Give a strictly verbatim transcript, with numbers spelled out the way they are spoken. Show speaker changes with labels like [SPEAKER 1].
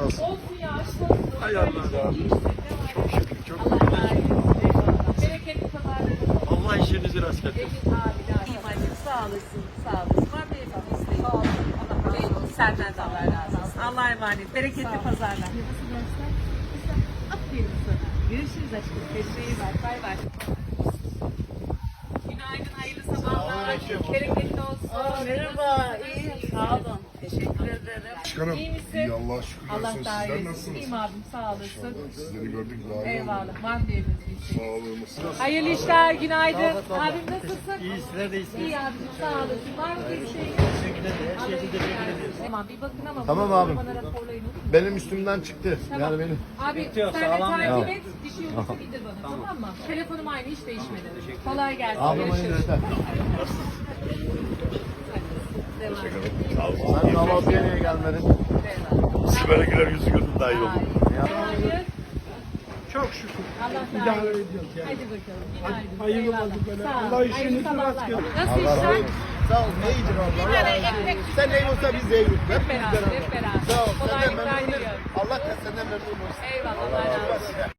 [SPEAKER 1] Nasıl?
[SPEAKER 2] Olsun ya, aşk olsun.
[SPEAKER 1] Hay Allah.
[SPEAKER 2] İyi işte, ne var?
[SPEAKER 1] Çok şükür. Çok
[SPEAKER 2] Allah razı olsun. Eyvallah. Bereketli pazarlar.
[SPEAKER 1] Allah işinizi rast getirsin.
[SPEAKER 2] Emin abi de. İyiyim annem, sağ olasın, sağ olasın. Var mı efendim isteğin? Sağ olsun. Allah razı olsun. Senden de Allah razı olsun. Allah'a emanet. Bereketli pazarlar. Nasıl dersler? Aferin sana. Görüşürüz aşkım. Kendine iyi bak. Bay bay. Günaydın, hayırlı sabahlar. Bereketli olsun.
[SPEAKER 3] Aa, merhaba, iyiyim. Sağ olun.
[SPEAKER 2] Teşekkür ederim.
[SPEAKER 4] Başkanım,
[SPEAKER 2] İyi misin?
[SPEAKER 4] iyi Allah'a şükürler
[SPEAKER 2] Allah
[SPEAKER 4] olsun.
[SPEAKER 2] daha
[SPEAKER 4] Sizler
[SPEAKER 2] iyi.
[SPEAKER 4] nasılsınız?
[SPEAKER 2] İyiyim abim, sağ olasın.
[SPEAKER 4] İnşallah sizleri gördük daha iyi
[SPEAKER 2] Eyvallah.
[SPEAKER 4] olduk.
[SPEAKER 2] Var mı diyebiliriz bir
[SPEAKER 4] Sağ
[SPEAKER 2] şey?
[SPEAKER 4] olun. Nasılsınız?
[SPEAKER 2] Hayırlı işler, günaydın. Abim nasılsın?
[SPEAKER 1] İyi, sizler de iyisiniz.
[SPEAKER 2] İyi abicim, sağ olasın. Var mı bir şey?
[SPEAKER 1] Her şey için teşekkür ederiz.
[SPEAKER 2] Tamam, bir bakın ama
[SPEAKER 5] Tamam
[SPEAKER 2] bunu
[SPEAKER 5] abim.
[SPEAKER 2] bana raporlayın, olur mu?
[SPEAKER 5] Benim üstümden çıktı.
[SPEAKER 2] Tamam.
[SPEAKER 5] Yani benim.
[SPEAKER 2] Abi
[SPEAKER 1] yok,
[SPEAKER 2] sen de
[SPEAKER 1] sağlam
[SPEAKER 2] takip
[SPEAKER 5] ya.
[SPEAKER 2] et, bir şey olursa bildir bana, tamam mı? Telefonum aynı, hiç değişmedi. Kolay gelsin.
[SPEAKER 5] Abim aynı
[SPEAKER 2] Görüşürüz.
[SPEAKER 5] yeter.
[SPEAKER 2] Devam.
[SPEAKER 5] Sen kahvaltıya niye gelmedin?
[SPEAKER 4] Böyle güler yüzü gördüm daha iyi oldu.
[SPEAKER 2] Hayır.
[SPEAKER 1] Çok şükür.
[SPEAKER 2] Allah daha iyi. Hadi bakalım. Günaydın.
[SPEAKER 1] Hayırlı
[SPEAKER 2] Eyvallah.
[SPEAKER 1] olsun böyle.
[SPEAKER 2] Sağ ol.
[SPEAKER 1] Allah işinizi
[SPEAKER 2] Hayırlı sabahlar.
[SPEAKER 1] rast getirsin.
[SPEAKER 2] Nasıl işler?
[SPEAKER 5] Sağ ol. Ne iyidir abla?
[SPEAKER 2] Bir ara ekmek
[SPEAKER 5] Sen ne olsa biz de yiyoruz.
[SPEAKER 2] hep beraber, hep beraber.
[SPEAKER 5] Sağ ol. Senden
[SPEAKER 2] Kolaylıklar
[SPEAKER 5] memnun
[SPEAKER 2] diliyorum.
[SPEAKER 5] Allah senden memnun olsun.
[SPEAKER 2] Eyvallah. Allah razı olsun.